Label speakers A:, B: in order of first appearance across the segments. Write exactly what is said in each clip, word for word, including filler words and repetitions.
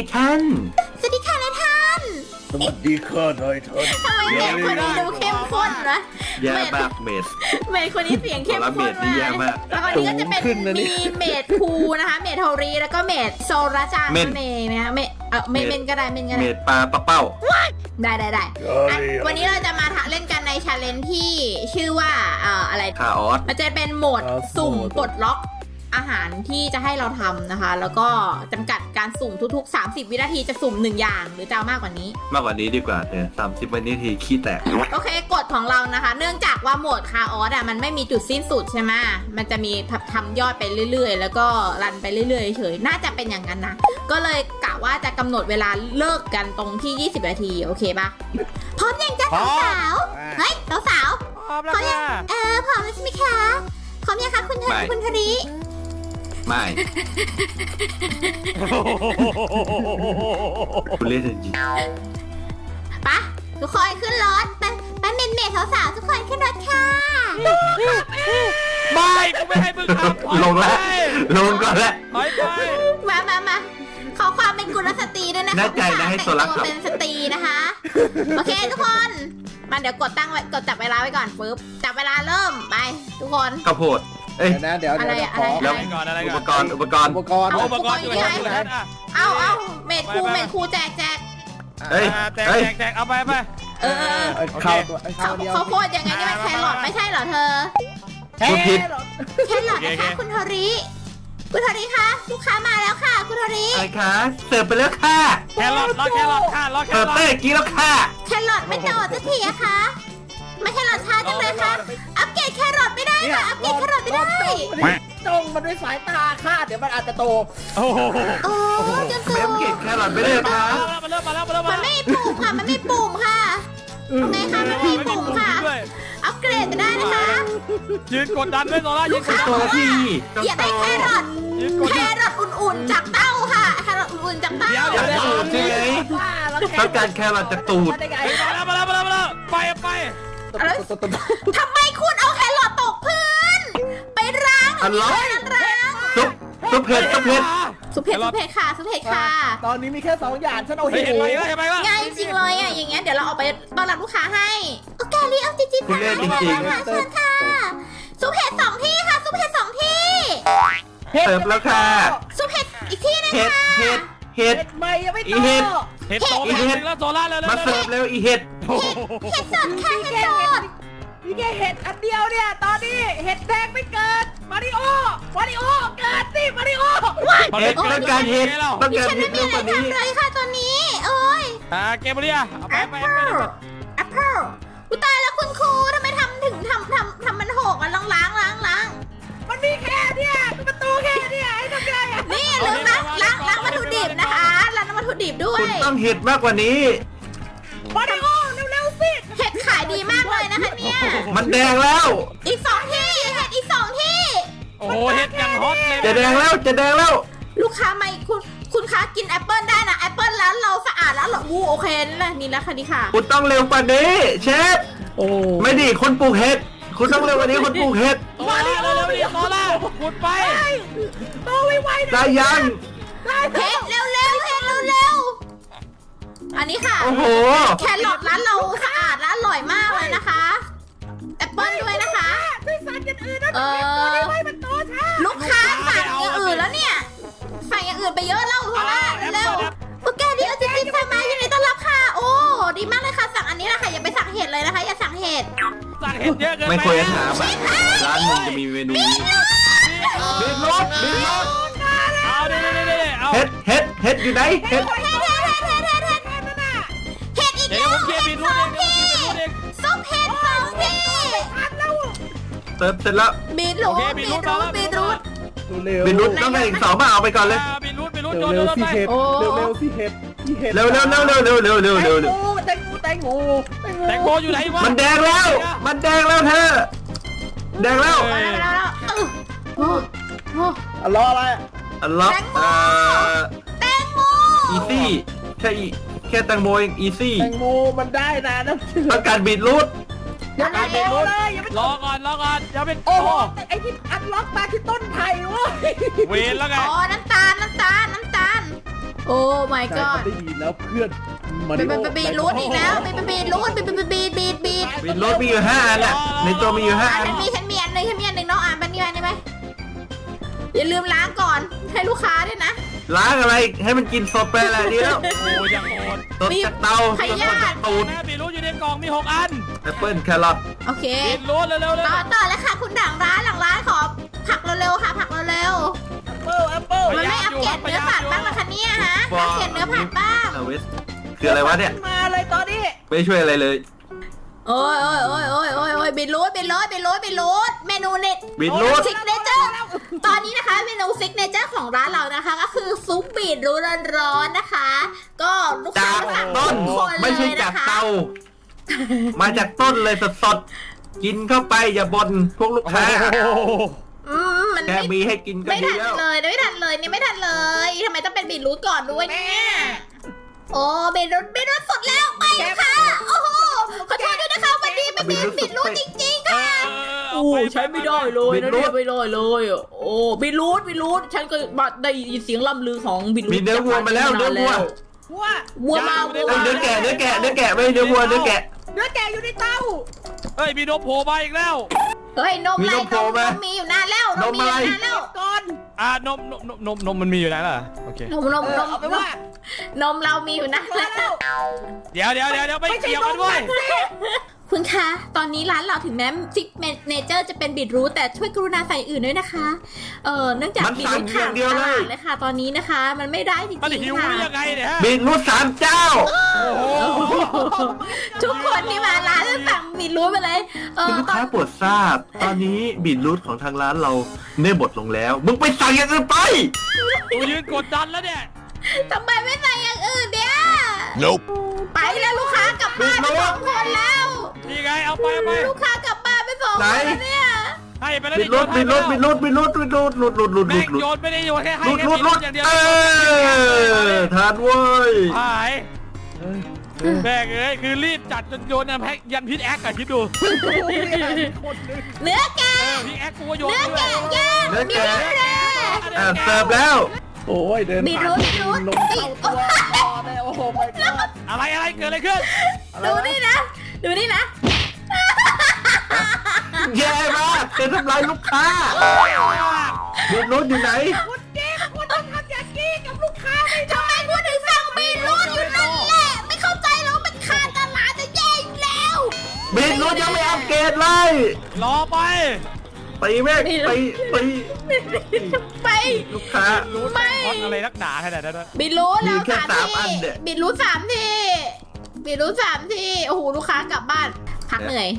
A: ท่าน
B: สวัสดีค่ะนายท่าน
C: สวัสดีค่ะนายท่าน
B: ทำไมเมดคนนี้ดูเข้มข้นนะ
A: แย่มากเมด
B: เมดคนนี้เสียงเข้มข้น
A: เมดนี่แย่มาก
B: แล้วคนนี้ก็จะเป็นมีเมดคูนะคะเมดโทรีแล้วก็เมดโซราจังนั่นเองนะคะเมดเออเมดเมนก็ได้เมนก็ได้
A: เมดปลาปลาเป้า
B: ได้ได้ได้วันนี้เราจะมาเล่นกันในชาเลนจ์ที่ชื่อว่าเอ่ออะไร
A: คาออส
B: มันจะเป็นโหมดสุ่มปลดล็อกอาหารที่จะให้เราทำนะคะแล้วก็จำกัดการสุ่มทุกๆสามสิบวินาทีจะสุ่มหนึ่งอย่างหรือจะเอามากกว่านี้
A: มากกว่านี้ดีกว่าเธอสามสิบวินาทีขี้แตก
B: โอเคกฎของเรานะคะเนื่องจากว่าโหมดคาออสอ่ะมันไม่มีจุดสิ้นสุดใช่ไหมมันจะมีทำยอดไปเรื่อยๆแล้วก็รันไปเรื่อยๆเฉยน่าจะเป็นอย่างนั้นนะก็เลยกะว่าจะกำหนดเวลาเลิกกันตรงที่ยี่สิบนาทีโอเคปะพร้อมยังจ้าสาวๆเฮ้ยสาวๆ
D: พร้อมแล้วค่ะ
B: เออพร้อมแล้วใช่ไหมคะพร้อมยังคะคุณเธอคุณธริ
A: ไม่คุณเล่นจริง
B: ปะทุกคนขึ้นรถไปไปเมนเมทสาวๆทุกคนขึ้นรถค่ะ
D: ไม่กูไม่ให้มึงทำ
A: ลงแล้วลงก่อนแล้ว
D: ไปไป
B: มามามาขอความเป็นกุลสตรีด้วยนะคะ
A: แน่ใจนะให้โซลัก
B: เป็นสตรีนะคะโอเคทุกคนมาเดี๋ยวกดตั้งไว้กดจับเวลาไว้ก่อนปึ๊บจับเวลาเริ่มไปทุกคน
A: ข้าวโพดเอ้ย
C: นะเดี๋ยวเดี๋ยวขอ
D: แล้วก่อนอะไร
A: อุปกรณ์อุปกรณ์
C: อุปกรณ์
D: อุปกรณ์อยู่ไหน
B: เอาเอาเมดคูเมดคูแจกแจก
A: เฮ้ย
D: แจกแจกแจกเอาไปไป
B: เออ
C: ข้าวข้าวเดียว
B: เขาโคตรยังไงนี่มันแครอทไม่ใช่เหรอเธอ
C: แครอท
B: แครอทนะคะคุณโทริคุณโทริคะลูกค้ามาแล้วค่ะคุณโทริ
A: อะไรคะเสิร์ฟไปแล้วค่ะ
D: แครอทรอแครอทค่ะรอแครอท
A: เปิดเต้กี้แล้วค่ะ
B: แครอทไม่โดดสักทีอะคะไม่แครอทช้าจังเลยค่ะอัปเกรดแครอทไม่ได้ค่ะอัปเกรดแครอทไม่ได้
C: จ้องมันด้วยสายตาค่ะเดี๋ยวมันอาจจะโต
D: โอ้โห
B: โอ้จะโต
A: เมมเก็บแครอทไม่ได้ค่ะ
D: มาเริ่มมาแล้วมาแล้ว
B: มันไม่มีปุ่มค่ะมันไม่มีปุ่มค่ะไงคะมันไม่มีปุ่มค่ะอัปเกรดจะได้นะคะ
D: ยืนกดดันด้วยโซล่ายืนกดดัน
A: ตัวที่
B: อย่าได้แครอทแครอทอุ่นๆจากเต้าค่ะแครอทอุ่นๆจากเต้า
A: อยากได้ตูดใช่ไหมต้องการแครอทจากตูด
D: มาแล้วมาแล้วมาแล้วมาแล้วไปไป
B: ทำไมคุณเอาแครอทตกพื้นไปล้าง
A: อันล็อก
B: ล้าง
A: ซุปซุปเผ็ดซุปเผ็ด
B: ซุปเผ็ดซุปเผ็ดค่ะซุปเผ็ดค่ะ
C: ตอนนี้มีแค่สองอย่างฉันเอาเห็น
D: ไปเห็นไหม
B: ง่ายจริงเลยอ่ะอย่างเงี้ยเดี๋ยวเราเอาไปต้อนรับลูกค้าให้โอเครีเอาจริงๆค่ะ
A: จริงๆ
B: ค่ะเชิญค่ะซุปเผ็ดสองที่ค่ะซุปเผ็ดสองที่
A: เสิร์ฟแล้วค่ะ
B: ซุปเผ็ดอีกที่นึงค่ะ
A: เห็ดเห็ด
C: ไม่ยังไม่โต
A: เห็ด
D: เห็ดโตแล้วโซล่าแล้ว
A: มาเสิร์ฟเร็วอีเห็ด
B: เห็ดสดค่ะเห็ดสด
C: นี่แค่เห็ดอันเดียวเนี่ยตอนนี้เห็ดแดงไม่เกิดมาริโอมาริโอเกิดสิมาริโอ
A: เห็ดต้องการเห็ดต้องการเห็ดเร็วกว่านี้
B: เลยค่ะตอนนี้โอ้ย
D: อ่าเกมเรียเอาไปไปไป
B: แอปเปิลกูตายแล้วคุณครูทำไมทำถึงทำทำทำมันหกอ่ะลองล้างล้างล้าง
C: มันมีแค่เนี่ยประตูแค่เนี่ยไอ้ทำไงอ่ะ
B: นี่ลืมล้างล้างล้างวัตถุดิบนะคะล้างวัตถุดิบด้วย
A: คุณต้องเห็ดมากกว่านี้
C: มาริโอเร็วๆสิ
B: เห็ดขายดีมากเลยนะคะเนี่ย
A: มันแดงแล้ว
B: อีกสองที่เห็ดอีกสองที่
D: โอ้โหเห็ดยังฮอตเลย
A: จะแดงแล้วจะแดงแล้ว
B: ลูกค้าไม่คุณคุณค้ากินแอปเปิลได้นะแอปเปิลแล้วเราสะอาดแล้วหรอวูโอเคนี่แหละนี่แล้วค่ะนี่ค่ะ
A: คุณต้องเร็วกว่านี้เชฟ
C: โอ้
A: ไม่ดีคนปลูกเห็ดคุณต้องเร็วกว่านี้คนปลูกเห็ด
D: มาดิเร็วเร็วดิโซล่าขุดไป
C: โตไวๆ
A: ได้ยัง
B: เห็ดเร็วเร็วเห็ดเร็วเร็วอันนี้ค่ะ
A: โอ้โห
B: แครอทร้านเราสะอาดและอร่อยมากเลยนะคะแอปเปิลด้วยนะคะ
C: ด้วยสารอย่างอื่นนะ
B: เออลูกค้าสั่งอย่างอื่นแล้วเนี่ยสั่งอย่างอื่นไปเยอะแล้วเพราะว่าเร็วโอเคดีเอาจริงๆสั่งมาอยู่ในต้อนรับค่ะโอ้ดีมากเลยค่ะสั่งอันนี้แหละค่ะอย่าไปสั่งเห็ดเลยนะคะอย่าสั่งเห็ด
D: สั่งเห็ดเยอะเกินไป
A: ไม่ควรจะถามร้านมึงจะมีเมนูนี้บินรถบินรถ
D: เอาเดี๋ยวเดี๋ยวเดี๋ยวเอา
A: เห็ดเห็ดเห็ดอยู่ไหนเห็ด
B: เห็ดเห็ดเห็ดเห็ดเห็ดเห็ดเห็ดอีกแล้วเห็ดสองที่ซุปเห็ดสองที่
A: เติมเสร็จแล้ว
B: บีทรูทบีทรูทบีทรูท
A: บินรุดต้องได้อีกสองมาเอาไปก่อนเลย
D: บินรุดบินรุด
C: เร็วสิเห็ดเร็วเร็วสิเห็ด
A: เร็วเร็วเร็วเร็วเร็วเร็วเร็วเร็วเร็ว
C: แตงโมแตงโม
D: แตงโมอยู่ไหนวะ
A: มันแดงแล้วมันแดงแล้วเธอแดงแล้ว
C: รออะไร
A: อันล็อกเอ่อ
B: แตงโม
A: อีซี่แค่แค่แตงโมเองอีซี่
C: แตงโมมันได้นะนะ
A: ต้องการบีทรูท
C: อย่าไปรู้เลยอย่าไป
D: รอก่อนรอก่อนอย่าไป
C: โอ้โหไอ้ที่อันล็อกมาที่ต้นไผ่เว้ย
D: เวนแล้วไง
B: อ๋อน้ำตาลน้ำตาลน้ำตาลโอโอ้ my
C: นาย
B: god
C: ทำได้ดีแล้วเพื่อนมา
B: บี
C: ริ
B: ด
C: โอ
B: บีดรูดอีกแล้วบีดบีดรูดบีดบีดบีดบีดบีด
A: บิดรถมีอยู่ห้าอันน่ะในตัวมีอยู่ห้า
B: อ่ะ
A: อัน
B: ฉันมีฉันมีอันหนึงฉันมีอันหนึงน้องอ่านปันนี้ได้ไหมอย่าลืมล้างก่อนให้ลูกค้าด้วยนะ
A: ล้างอะไรให้มันกินสดไปแหละดีแล้ว
D: โอ้ยังโหด
A: สดจากเตาสดจากตูด
D: แม่บีรู้อยู่ในกล่องมีหกอัน
A: แอปเปิ้ลแครอท
B: โอเค
D: บีรู้เร็วๆเร็ว
B: ต่อต่อแล้วค่ะคุณหลังร้านหลังร้านขอผักเร็วๆค่ะผักเร็ว
C: แอปเปิลแอปเปิล
B: ๆมันไม่อัปเกรดเนื้อผัดบ้างเหรอคะเนี่ยฮะอัปเกรดเนื้อผัดบ้าง
A: เวสคืออะไรวะเนี่ย
C: มาเลยตอนนี้
A: ไม่ช่วยอะไรเลย
B: โอ้ยโอ้ยโอ้ยโอ้ยโอ้ยโอ้ยบิดรูดบิดรูดบิดรูดบิดรูดเมนูเน็ต
A: บิดรูด
B: ซิกเนเจอร์ตอนนี้นะคะเมนูซิกเนเจอร์ของร้านเรานะคะ ก็คือซุปบีดรูดร้อนๆนะคะ ก็ลูกค้า
A: จาก
B: สั่ง
A: ต้น
B: ทุกคนเล
A: ไม่ใช่
B: ย
A: จา
B: นะ
A: ก
B: คะ
A: เตา มาจากต้นเลยสดๆกินเข้าไปอย่าบ่นพวกลูกค้า
B: อืมมัน
A: แค่
B: ไม่
A: มีให้กินก็
B: ไม่
A: ดี
B: ทัน
A: แล้ว
B: เลยไม่ทันเลยนี่ไม่ทันเลยทำไมต้องเป็นบีดรูดก่อนด้วยเนี่ยโอ้บีดรูดบีดรูดสดแล้วไปค่ะโอ้โหขอโทษด้วยนะคะวันนี้ไม่เป็นบีดรูดจริงๆค่ะ
D: ๆ
B: โอ้ใช้ไม่ได้เลยนะเนี่ยไม่ได้เลยอ่ะโอ้บิลูดบิลูดฉันก็ได้ยินเสียงล่ำลือของบิลูด
A: มีเนื้อวัวมาแล้วเนื้อวัว
C: วัว
B: วัวมาวัว
A: เอ้ยเนื้อแกะเนื้อแกะเนื้อแกะไม่ใช่เนื้อวัวเนื้อแกะ
C: เนื้อแกะอยู่ในเตา
D: เฮ้ยมีโดโผล่มาอีกแล้ว
B: เฮ้ยนม
A: มี
B: ไร
A: นมโผล่
B: น
A: ไหม
B: มมีอยู่นานแล้วนมมีอยู่นานแล้ว
C: ก่อน
D: อ่านมนมนมนมนมมันมีอยู่ไหนล่ะโอเคน
B: มนม
C: เอน อ
B: ม
C: เอาไปว่าน
B: มเรามีอยู่นาน
C: มา
B: แล้ว
C: แล้ว
D: เดี๋ยวเดี๋ยวเดี๋ยวเดี๋ยวไม่เกี่ยวกันด้วย
B: คุณคะตอนนี้ร้านเราถึงแม้ซิกเนเจอร์จะเป็นบิดรูทแต่ช่วยกรุณาใส่อื่นด้วยนะคะเออเนื่องจาก
A: มัน
B: บิด
A: สั่
B: รู
A: ง
B: ท
A: อย่า
B: ขาง ด
A: เดียว
B: ต
A: เลย
B: ลาดเลยค่ะ ตอนนี้นะคะ มันไม่ได้จริง
D: มันหิว
B: ๆค่ะ
D: หรือยังไงเนี่ยฮะ
A: บิดรูทสามเจ้า
D: โอ้โห
B: ทุกคนที่มาร้านจะสั่งบิดรูทไปเลยเอ
A: คุณ
B: อ
A: ลูก
B: ตอน
A: ค้าโปรดทราบ ตอนนี้บิดรูทของทางร้านเราเนื้อบดลงแล้ว มึงไปสั่งอย่างอื่นไป
D: กูยืนกดดันแล้วเนี่ย
B: ทำไมไม่ใส่อย่างอื่นเนี่ย
E: Nope.
B: ไปแล้วลูกค้ากลับบ้านไปสองคนแล้ว
D: นี่ไงเอาไปเอาไป
B: ลูกค้ากลับบ้านไปสอง
A: ไหน
B: คนแล้วเนี่ย
D: ให้ไปแล้ว
A: บิดรูทบิดรูทบิดรูทบิดรูทบิดรูทหลุดหลุดหลุดหลุ
D: แม่
A: ด
D: ง
A: หลุด
D: โยนไม่ได้โยนแค่ให้
A: หลุด
D: แค่
A: หลุดหลุด
D: อย่างเดียว
A: เออทานเว้ย
D: หายแม่งเอ้ยคือรีบจัดจนโยนยันแพ็กยันพิษแอคอะคิดดู
B: เนื้อแกะ
D: เออพิษแอคกูก็โยน
B: เนื้อ
D: ด้วย
B: แกะย่าง
A: เนื้อ
B: มี
A: แกะ
B: เนื้อแกะ
A: อ่ะเสิร์ฟแล้ว
C: โอ้ยเดิน
B: บี
C: ผ่าน
B: รูทบีรูท
C: ลงเข้าตัวต่อเลยโอ้โหไม่กอด
D: อะไรอะไรเกิดอะไรขึ้น
B: ดูนี่นะ ดูนี่นะ
A: แย่มากจะทำลายลูกค้าบิดรูทอยู่ไหน
C: คุณเจ๊คุณต้องทำอย่างนี้กับลูกค้าไม่
B: ทำไมพูดถึงสั่งบีรูทอยู่นั่นแหละ ไม่เข้าใจแล้วมันขาดตลาดจะแย่อยู่แล้ว
A: บิดรูทยังไม่อัปเกรดเลย
D: รอไป
A: ตีแม่งตีตี
B: ไป
A: ลูกค้า
D: รู้ไหมฮอตอะไรนักหนาขนาดนั้นวะ
B: บิดรูทแล้ว
A: มีแค่
B: สาม
A: สามอัน
B: ที
A: เนี่ย
B: บิดรูทสามทีบิดรูทสามทีโอ้โหลูกค้ากลับบ้าน พักเหนื่อย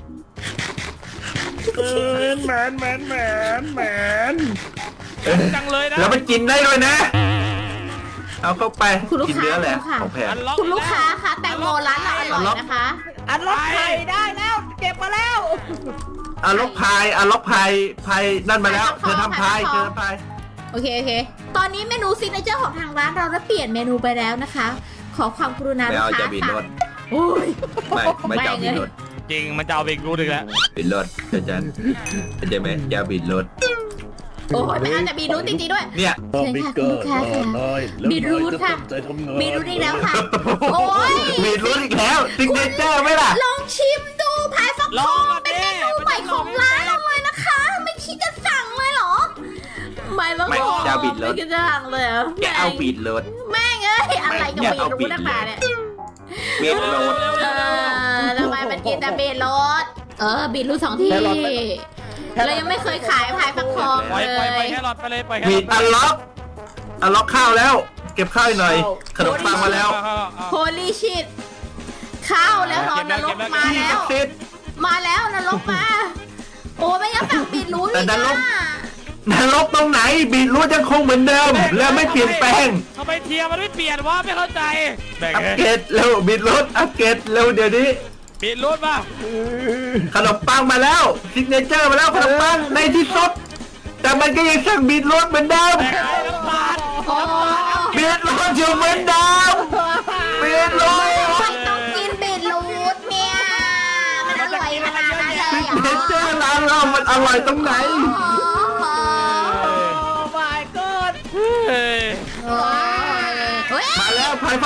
C: แมนแมนแมนแมน
D: จังเลยนะ
A: แล้วมันกินได้ด้วยนะ เอาเข้าไป
B: คุณลูก
A: กิน
B: ค้า
A: เนื้อแหละ
B: ค่ะ
A: ของแพง
D: อันล็อก
B: คุณลูกค้าคะแตงโมร้านเราอร่อยนะคะ
C: อันล็อกไข่ได้แล้ว เก็บมาแล้ว
A: อาล็อกพายอาล็อกพายพายนั่นมาแล้ว
B: พาย
A: เธอ
B: ฟักทอง
A: ทำพาย
B: พายฟักท
A: เธ
B: อง
A: อทำพาย
B: โอเคโอเค ตอนนี้เมนูซิกเนเจอร์ของทางร้านเราได้เปลี่ยนเมนูไปแล้วนะคะ ขอความกรุณา
A: ไม่
B: ลูก
A: เอา
B: ค้า
A: จะบิดร
B: สั่
A: ถ
B: งโอ้ย
A: ไม่ไม่จะเอาบิดรถ
D: จริงมันจะเอาเบรกรู้ถึงแล้ว
A: บิดรถเดี๋ยวจันเข้าใจไหมจะบิดรถ
B: โอ้ยไม่เอาแต่บีรูทจริงๆด้วย
A: เนี่ย
B: เชิญค่ะคุณลูกค้าค่ะบีรูทค่ะบีรูทอีกแล้วค่ะ โอ้ย
A: บิดรถอีกแล้วซิกเนเจอร์ไหมล่ะ
B: ลองชิมดูพายฟัก
D: ล
B: ท
D: อ
B: อง ง
D: อ่ะ
B: เป็น
D: เด้
B: เมนูใหม่ของร้านเราเลยนะคะ ไม่คิดจะสั่งเลยเหรอ ไม่ฟัก
A: ไม่
B: ทอง
A: จะบิดรถ
B: ไม่คิดจะสั่งเลยเหรอ
A: แกเอาบิดรถ
B: แม่งเอ้ยอะไรกับ
A: แก
B: บี
A: เอาบิ
B: รู
A: ด
B: ทนักหนาเนี่ย
A: บิดรถ
B: เออทำไมมันกินแต่บีทรถเออบีทรูทสองที่เรายังไม่เคยขายพายฟักทอง
D: ปล่อย
B: เล
D: ปล่อยไป
B: ย
D: แค่หลอดไปเลยปล่อยแค่
A: บิ
D: หลอ
A: ด
D: ด
A: อันล็อกอันล็อกข้าวแล้ว เก็บข้าวให้หน่อย ขนมปังมาแล้ว
B: โฮลี่ชิตข้าวแล้วเหรอนรกมา
A: ที่
B: แล้
A: ศั
B: ว
A: กดิ์สิทธิ์
B: มาแล้วนรกมา โอ้ไม่ยังสั่งบีทรูท
A: แต่
B: อีก
A: นรก
B: อ่ะ
A: นรกตรงไหนบิดรูทยังคงเหมือนเดิม และไม่เปลี่ยนแปลง
D: ทำไมเทียร์มันไม่เปลี่ยนวะไม่เข้าใจแบ่ง
A: อัป
D: เลย
A: เกรดเร็วบิดรูทอัปเกรดเร็วเดี๋ยวนี้
D: ปิดรูดป่ะ
A: ขนมปังมาแล้วซิกเนเจอร์มาแล้วขนมปังในที่สุดแต่มันก็ยังสั่งบิดรูทเหมือนเดิม
D: แบ่งให้น้ำตาล
B: โอ้
A: บิดรูทอยู่เหมือนเดิมบิดรูท
B: ไม่ต้องกินบีทรูทเนี่ยมันอร่อยขนาดนั้นเลย
A: ซิก
B: เหรอ
A: เนเจอร์ร้านเรามันอร่อยตรงไหน
C: โอ้ my god
D: เฮ้ย
B: โอ้ย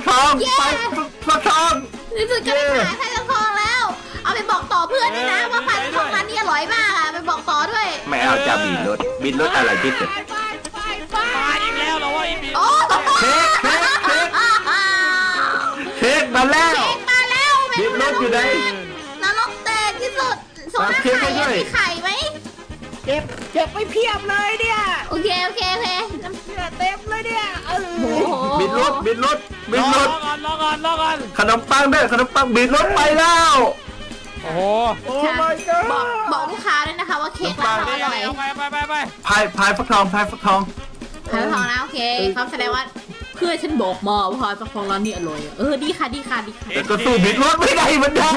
A: ทองไปฟักทอง
B: รู้สึกจะไปขายไข่ฟักทองแล้ว เอาไปบอกต่อเพื่อนด้วยนะว่าไข่ฟักทองร้านนี้อร่อยมากอ่ะไปบอกต่อด้วย
A: ไม่เอาจะบีรถบีรถอะไรที่สุด
C: ไปไปไป
D: มาอีกแล้วเหรอว่าอีบี
B: โอ้
A: เค้กเค้กเค้กเค้กมาแล้ว
B: เค้กมาแล้ว
A: บีรถอยู่ไหน
B: นรกแตกที่สุดโซน่า
A: เค้ก
B: ไข่
A: ให้ด้วย
B: มีไข่ไหม
C: เก็บเก็บไปเพียบเลยเนี่ย
B: โอเคโอเคโอเค
C: เนี่ยเต็มเลยเนี่ยเออ
B: โอ้โห
A: บีรถบีรถบี
D: รอ
A: รถ
D: ก่อนรอก่อนรอก่อน
A: ขนมปังด้วยขนมปังบีรถไปแล้ว
D: โอ้โห
C: โอ้ my god
B: บอกบอกลูกค้าด้วยนะคะว่าเค้กราคาอร่อย
D: เอาไปไปไปไป
A: พายพายฟักทองพายฟักทอง
B: ขายฟักทองนะโอเคเขาแสดงว่าเพื่อนฉันบอกมาว่าขายฟักทองร้านนี้อร่อยอะเออดีค่ะดีค่ะดีค่ะ
A: แต่ก็สู้บีรถไม่ได้เหมือนเดิม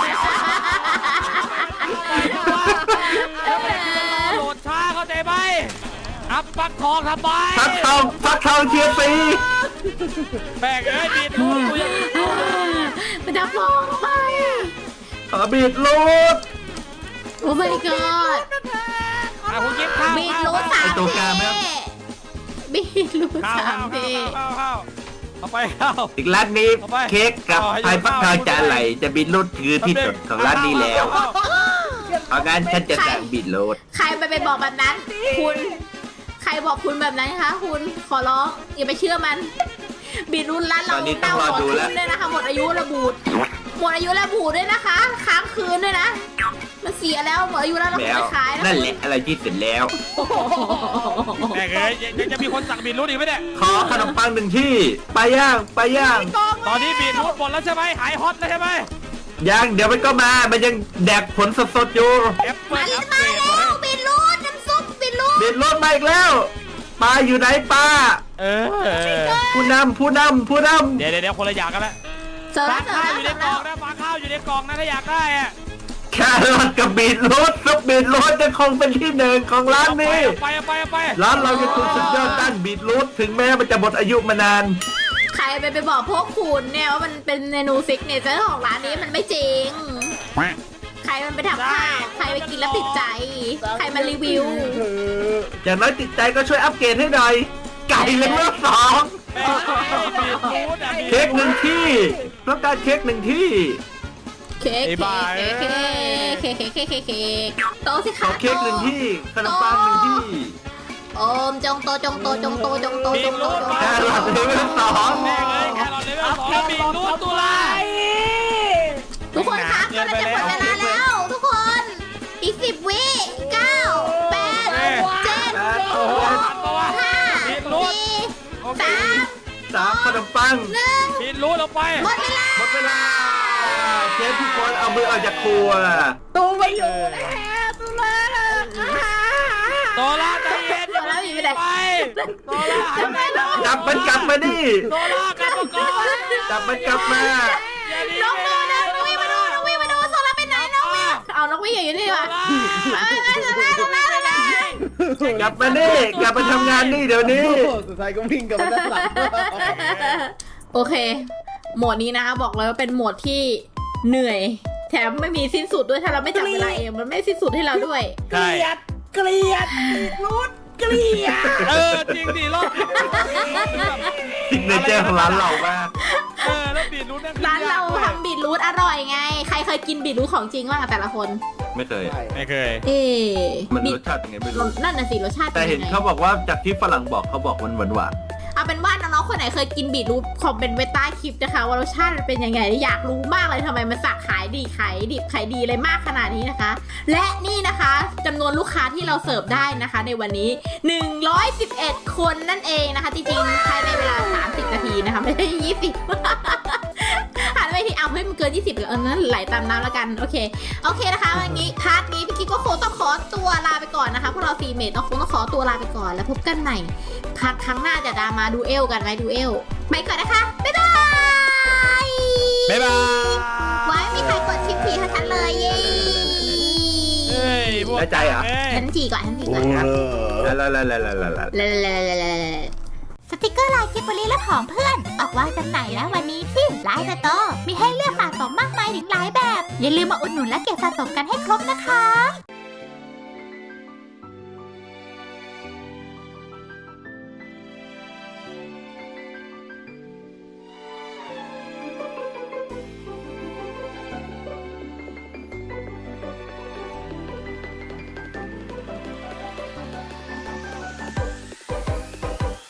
D: แล้วมันจะรอโหลดช้าเข้าใจไหมอัพปักทองทำไม
A: ฟักทองฟักทองเชียร์ฟรี
D: แบกเอ้ยบีดรูดกูยัง
B: มันดับฟองไปอะ
A: ขอบีรถ
B: โอ้ my god
D: อ่ะคุณกิฟข้าว
B: บีท
D: ข้าว
B: รูทสาม
A: ไอ้ตัวกลางไหม
B: เทบีทรูท
D: ข้าว
B: สา
D: ข้าม ว
B: เท
D: ข้าวข้าวเอาไปข้าว
A: อีกร้านนี้
D: เอาไป
A: เค้กกับ
D: เอาให้
A: พายฟักทอง
D: เอาให้
A: จานไหลจะบีรถคือที่สุดของร้านนี้แล้วเพราะงั้นฉันจะสั่งบีรถ
B: ใครไปไปบอกแบบนั้น คุณ ใครบอกคุณแบบนั้นคะ คุณขอร้องอย่าไปเชื่อมัน บีทรูทร้านเรา
A: ตอนนี้ต้อ
B: เน่าง
A: รอ
B: ก่อน
A: ดู
B: ขึ้
A: แล้ว
B: นด้วยนะคะ หมดอายุระบูดหมดอายุระบูดด้วยนะคะ ค้างคืนด้วยนะ มันเสียแล้วหมดอายุแล้วเรา
A: แล้
B: ไป
A: ว
B: ขายแล้ว
A: นั่นแหละอะไรที่เสร็จแล้ว
D: แบกเอ้ยยังจะมีคนสั่งบีดรูดอีกไหมเนี่ย
A: ขอขนมปังหนึ่งที่ปลาย่างปลาย่าง
D: ตอนนี้บีดรูดหมดแล้วใช่ไหมหายฮอตแล้วใช่ไหม
A: ยังเดี๋ยวมันก็มา มันยังแดกผลสดๆอยู่
D: แอปเปิ
B: มา
D: ล
B: แล้
D: อั
B: ว
D: ปเก
B: มาร
D: ด
B: แล้
D: มาให้
B: วบีทรูทน้ำซุปบีทรูท
A: เด็ดรถมาอีกแล้วปลาอยู่ไหนปลา
D: เออ
A: ผู้นำผู้นำผู้น
D: เดี๋ยวเดี๋ยวเดี๋ยวคนละอย่างกันละ
B: เจอ
D: ฟา
B: แล้วเจอ
D: ข้าว
B: แล้ว
D: อยู่
B: เจ
D: ใน
B: อก
D: ล่
B: แล้
D: อง
B: ว
D: นะฟาข้าวอยู่ในกล่องนะถ้าอยากได้อะ
A: ำแครอทกับบีทรถซุปบีทรถจะคงเป็นที่หนึ่งของร้านนี้
D: ไปเอาไปเอาไป
A: ร้านเราจะถูกสุดยอดด้านบีทรูทถึงแม้มันจะหมดอายุมานาน
B: ใครไปไปบอกพวกคุณเนี่ยว่ามันเป็นเมนูซิกเนเจอร์ของร้านนี้มันไม่จริง ใครมันไปทำข้าว ใครไปกินแล้วติดใจ ใครมารีวิว
A: อย่างน้อยติดใจก็ช่วยอัปเกรดให้หน่อย ไก่เลเวลสอง
D: แม่บีดรูดอ่ะ
A: เค้กหนึ่งที่ต้องการเค้กหนึ่งที่
B: เค้กเค้กเค้กเค้กเค้กเค้กเค้กเค้กโตสิ
A: ข
B: คะ
A: อเค้กหนึ่งที่ขนมปังหนึ่งที่
B: โอมจงโตจงโตจงโตจงโต
D: บี
B: จ
D: ด
B: งโต
D: รูด
B: จง
D: มา
A: แครอทเลเวลสอง
D: แม่เลยแครอทเลเวลสองแล้วบีดรูดตุลา
B: ทุกคนคะกำลังจะหมดเวลาแล้ว ทุกคน อีกสิบวิเก้าแปดเจ็ด
D: โอ้โหทันปะวะ
B: ห้า
D: บีดรูด
B: สี่
D: โอเค
B: สาม
A: สามขนมปัง
B: หนึ่ง
D: บีดรูดลงไป
B: หมดเวลา
A: หมดเวลาเชฟทุกคนเอามือออกจากครัว
C: ตูไปอยู่แล้วตูเลย
D: โตล่าใจเย็นอย่าไปไปโตล่าหันไปโต
A: จับมันกลับมาดิ
D: โตล่ากลับมาก่อน
A: จับมันกลับมา
D: อย่าดี
B: น้องดูนะน้องวิ่งมาดูน้องวิ่งมาดูโซล่าเป็นไหนน้องวิ่งเอาน้องวิ่งอยู่นี่วะไปไปโซล่าโซล่าโซล่าก
A: ลับมานี่กลับมาทำงานนี่เดี๋ยวนี้
C: สุดท้ายก็วิ่งกลับมาด้านหลัง
B: โอเค โหมดนี้นะคะบอกเลยว่าเป็นโหมดที่เหนื่อย แถมไม่มีสิ้นสุดด้วยถ้าเราไม่จับเวลาเองมันไม่สิ้นสุดให้เราด้วย
C: เกลียดเกลียดรูดเกลียด
D: เออจริงดิรอบ
A: ซิกเนเจอร์ของร้านเรามาก
D: เออแล้วบีดรูดนั่น
B: ร้านเราทำบีทรูทอร่อยไง ใครเคยกินบีทรูทของจริงบ้างอะแต่ละคน
A: ไม่เคย
D: ไม่เคย
B: เอ๊ะ
A: มันรสชาติยังไงไม่รู้
B: นั่นน่ะสิรสชาติ
A: แต่
B: ป็
A: เห็น
B: ยังไง
A: เขาบอกว่าจากที่ฝรั่งบอกเขาบอกมันหวานหวาน
B: เอาเป็นว่าน้องๆคนไหนเคยกินบีทรูทคอมเมนต์ไว้ใต้คลิปนะคะว่ารสชาติมันเป็นยังไงอยากรู้มากเลยทำไมมันสักขายดีขายดิบขายดีเลยมากขนาดนี้นะคะ และนี่นะคะจำนวนลูกค้าที่เราเสิร์ฟได้นะคะ ในวันนี้หนึ่งร้อยสิบเอ็ดคนนั่นเองนะคะจริงๆภายในเวลาสามสิบนาทีนะคะไม่ใช่ยี่สิบ หันไปที่เอาให้มันเกินยี่สิบเลยเออนั้นไหลตามน้ำแล้วกันโอเคโอเคนะคะวันนี้พาร์ทนี้พี่กิ๊กก็คงต้องขอตัวลาไปก่อนนะคะพวกเราซีเมทต้องคงต้องขอตัวลาไปก่อนแล้วพบกันใหม่พาร์ทครั้งหน้าจะดามาดูเอลกันไหมดูเอลไปก่อนนะคะบ๊ายบาย
D: บ๊ายบาย
B: ไว้ไม่มีใครกดชิปผีให้ฉันเลยเย้
D: เฮ้ยพวก
A: ได้ใจเหรอ
B: ฉันจีก่อนฉันจีก่อน
A: แล้วแล้วแล้วแล้วแล้ว
B: ลาลาลาลาลาลา
E: สติกเกอร์ลายกิบบลีและของเพื่อน ออกวางจำหน่ายแล้ววันนี้ที่ไลน์สโตร์มีให้เลือกสะสมมากมายถึงหลายแบบ อย่าลืมมาอุดหนุนและเก็บสะสมกันให้ครบนะคะ